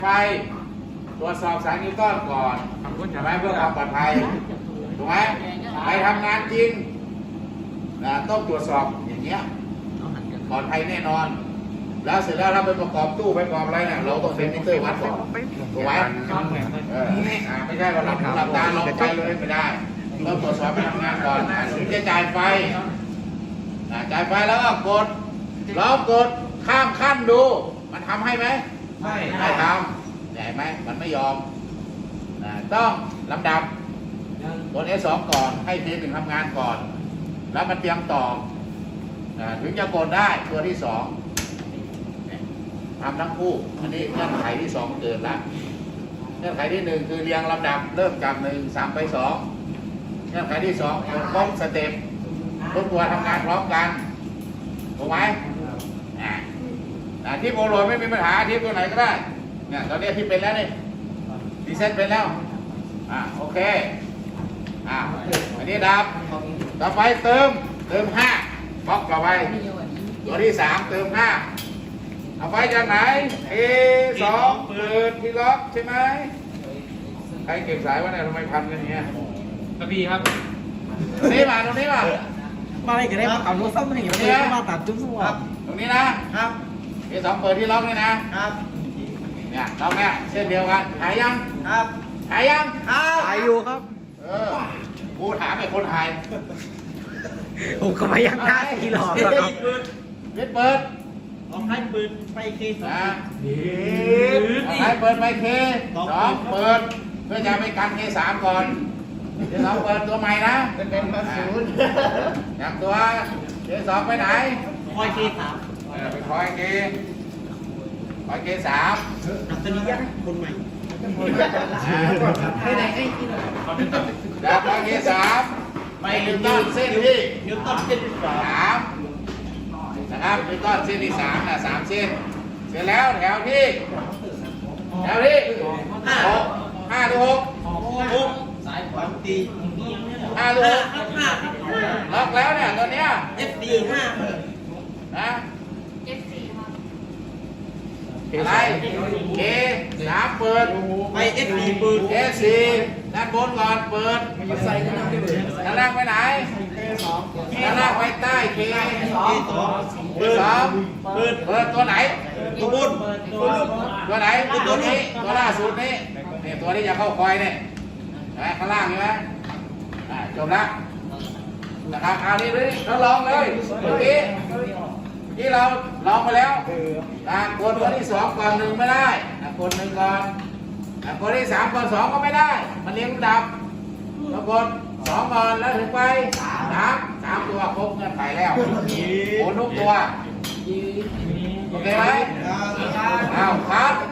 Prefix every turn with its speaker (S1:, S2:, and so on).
S1: ไปตรวจสอบสายนิวตันก่อนใช่ไหมเพื่อความปลอดภัยถูกไหมไปทำงานจริงนะต้องตรวจสอบอย่างเงี้ยปลอดภัยแน่นอนแล้วเสร็จแล้วเราไปประกอบตู้ไปประกอบอะไรเนี่ยเราต้องเป็นมิเตอร์วัดก่อนถูกไหมไม่ใช่ว่าหลับตาลงไปเลยไม่ได้ต้องตรวจสอบไปทำงานก่อนถึงจะจ่ายไฟจ่ายไฟแล้วก็กดข้ามขั้นดูมันทำให้ไหมไม่ทำใหญ่ไหมมันไม่ยอมต้องลำดับกด S2 ก่อนให้ทีหนึ่งทำงานก่อนแล้วมันเตรียมต่อถึงจะกดได้ตัวที่สองทำทั้งคู่อันนี้เงื่อนไขที่สองเกิดละเงื่อนไขที่หนึ่งคือเรียงลำดับเริ่มจาก1 3ไป2เงื่อนไขที่สองกดครบสเต็ปทุกตัวทำงานพร้อมกันถูกไหมที่โมโลไม่มีปัญหาที่ตัวไหนก็ได้เนี่ยตอนนี้ที่เป็นแล้วนี่ดีเซ็ตเป็นแล้วโอเคอันนี้ดับต่อไปเติม5บล็อกต่อไปตัวที่3เติม5เอาไปจากไหน A2 เปิดที่ล็อกใช่ไหมใครเก็บสายวะเนี่ยทำไมพันกันอย่างเงี้ย
S2: กระบี่ครับ
S1: ตรงนี้มา
S3: มาอะไรกันได้มาขับรถซ่อมอะไรอย่างเงี้ยมาตัดจุ๊บสวัสดิ์
S1: ตรงนี้นะครับ A2 เปิดที่ล็อกนี่นะครับเนี่ยล็อกเนี่ยเส้นเดียวกันหายยัง
S3: ครับ
S1: หายยัง
S3: หายอยู่ครับ
S1: กูถามไอ้คนหาย
S3: ผมก็ไม่ยังได้ที่หลอกแล้วครับ
S1: เปิด
S3: ออกให้เปิดไปเคส
S1: ออกให้เปิดไปK2เปิดเพื่อจะไปกันK3ก่อนK2เปิดตัวใหม่นะ
S3: เป็นมาศูนย์
S1: จากตัวK2ไปไหน
S3: คอยK3
S1: ไปคอยK3
S3: นับตัวนี้ยังคนใหม่
S1: ไปไหนจากคอยK3ไปนิวตันเส้นที่
S3: นิวตันเส้นที่
S1: 3นะครับนิวตันเส้นที่3นะ3เส้นเสร็จแล้วแถวที่6 5 หรือ6
S3: สายขวาตี
S1: 5 หรือ6ล็อกแล้วเนี่ยตัวเนี้ย
S3: FD 5
S1: นะ
S4: F4 ครับ
S1: อะไร K3 เปิด
S3: ไป FD เปิด
S1: S4 ด้านบนก่อนเปิด
S3: ใส่กันได้เลย
S1: ด้านล่างไปไหนด้านล่างไปใต้ K2 เปิดตัวไหน
S3: ตัวบน
S1: ตัวไหนตัวนี้ตัวล่าสุดนี้นี่ตัวที่จะเข้าคอยเนี่ยข้างล่างใช่ไหมจบแล้วนะครับเอานี่เลยเราลองเลยเมื่อกี้ที่เราลองไปแล้วกดตัวที่2ก่อน1ไม่ได้กด1ก่อนกดที่3ก่อน2ก็ไม่ได้มันเรียงลำดับเรากด2ก่อนแล้วถึงไป3ตัวครบเงื่อนไขแล้วโอนทุกตัวโอเคไหมเอาครับ